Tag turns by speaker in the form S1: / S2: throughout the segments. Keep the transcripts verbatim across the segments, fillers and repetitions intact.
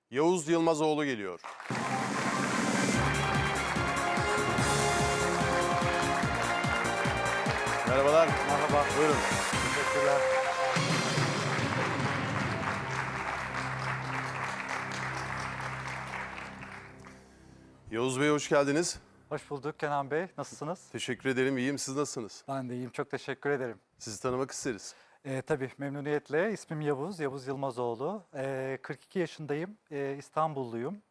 S1: Yavuz Yılmazoğlu geliyor. Merhabalar.
S2: Merhaba.
S1: Buyurun.
S2: Teşekkürler.
S1: Yavuz Bey hoş geldiniz.
S2: Hoş bulduk Kenan Bey. Nasılsınız?
S1: Teşekkür ederim. İyiyim. Siz nasılsınız?
S2: Ben de iyiyim. Çok teşekkür ederim.
S1: Sizi tanımak isteriz.
S2: Ee, tabii memnuniyetle. İsmim Yavuz, Yavuz Yılmazoğlu. Ee, kırk iki yaşındayım. Ee, İstanbulluyum.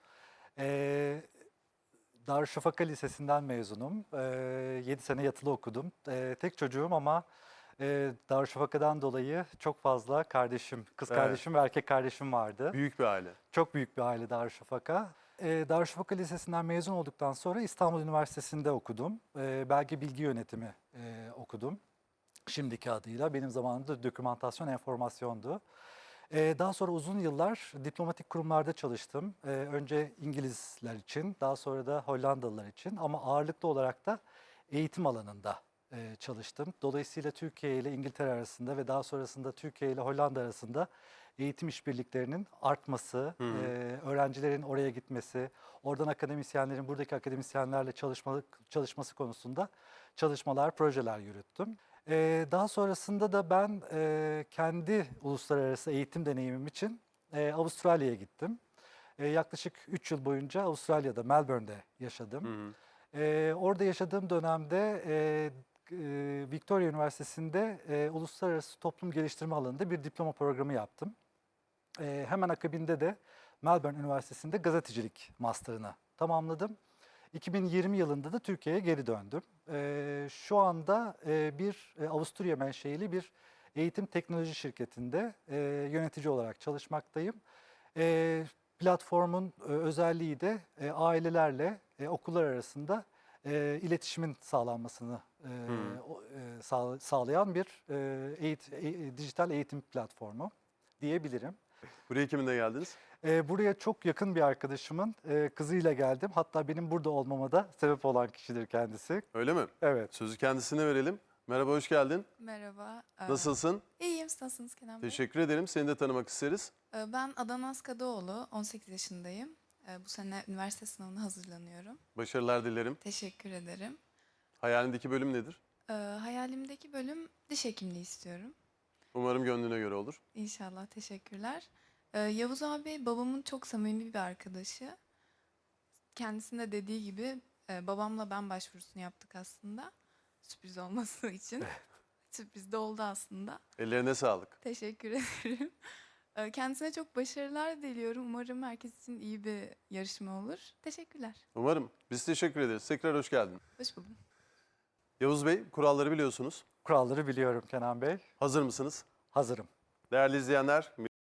S2: Ee, Darüşşafaka Lisesi'nden mezunum. Ee, yedi sene yatılı okudum. Ee, tek çocuğum ama e, Darüşşafaka'dan dolayı çok fazla kardeşim, kız
S1: Evet.
S2: kardeşim ve erkek kardeşim vardı.
S1: Büyük bir aile.
S2: Çok büyük bir aile Darüşşafaka. Ee, Darüşşafaka Lisesi'nden mezun olduktan sonra İstanbul Üniversitesi'nde okudum. Ee, belge bilgi yönetimi e, okudum. Şimdiki adıyla, benim zamanımda dokümantasyon enformasyondu. Ee, daha sonra uzun yıllar diplomatik kurumlarda çalıştım. Ee, önce İngilizler için, daha sonra da Hollandalılar için ama ağırlıklı olarak da eğitim alanında e, çalıştım. Dolayısıyla Türkiye ile İngiltere arasında ve daha sonrasında Türkiye ile Hollanda arasında eğitim işbirliklerinin artması,
S1: Hı hı.
S2: e, öğrencilerin oraya gitmesi, oradan akademisyenlerin buradaki akademisyenlerle çalışma, çalışması konusunda çalışmalar, projeler yürüttüm. Ee, daha sonrasında da ben e, kendi uluslararası eğitim deneyimim için e, Avustralya'ya gittim. E, yaklaşık üç yıl boyunca Avustralya'da, Melbourne'de yaşadım.
S1: Hı hı.
S2: E, orada yaşadığım dönemde e, e, Victoria Üniversitesi'nde e, Uluslararası Toplum Geliştirme alanında bir diploma programı yaptım. E, hemen akabinde de Melbourne Üniversitesi'nde gazetecilik master'ını tamamladım. iki bin yirmi yılında da Türkiye'ye geri döndüm. Ee, şu anda e, bir e, Avusturya menşeili bir eğitim teknoloji şirketinde e, yönetici olarak çalışmaktayım. E, platformun e, özelliği de e, ailelerle e, okullar arasında e, iletişimin sağlanmasını e,
S1: Hmm.
S2: o- e, sağ- sağlayan bir e, eğit- e, dijital eğitim platformu diyebilirim.
S1: Buraya kiminle geldiniz?
S2: Ee, buraya çok yakın bir arkadaşımın e, kızıyla geldim. Hatta benim burada olmama da sebep olan kişidir kendisi.
S1: Öyle mi?
S2: Evet.
S1: Sözü kendisine verelim. Merhaba, hoş geldin.
S3: Merhaba. Ee,
S1: Nasılsın?
S3: İyiyim, siz nasılsınız Kenan Bey?
S1: Teşekkür ederim. Seni de tanımak isteriz.
S3: Ee, Ben Adana Askadoğlu, on sekiz yaşındayım. Ee, Bu sene üniversite sınavına hazırlanıyorum.
S1: Başarılar dilerim.
S3: Teşekkür ederim.
S1: Hayalindeki bölüm nedir?
S3: Ee, Hayalimdeki bölüm diş hekimliği istiyorum.
S1: Umarım gönlüne göre olur.
S3: İnşallah, teşekkürler. Ee, Yavuz abi babamın çok samimi bir arkadaşı. Kendisinin de dediği gibi e, babamla ben başvurusunu yaptık aslında. Sürpriz olması için. Sürpriz de oldu aslında.
S1: Ellerine sağlık.
S3: Teşekkür ederim. Ee, Kendisine çok başarılar diliyorum. Umarım herkes için iyi bir yarışma olur. Teşekkürler.
S1: Umarım. Biz teşekkür ederiz. Tekrar hoş geldin.
S3: Hoş buldum.
S1: Yavuz Bey, kuralları biliyorsunuz.
S2: Kuralları biliyorum Kenan Bey.
S1: Hazır mısınız?
S2: Hazırım.
S1: Değerli izleyenler,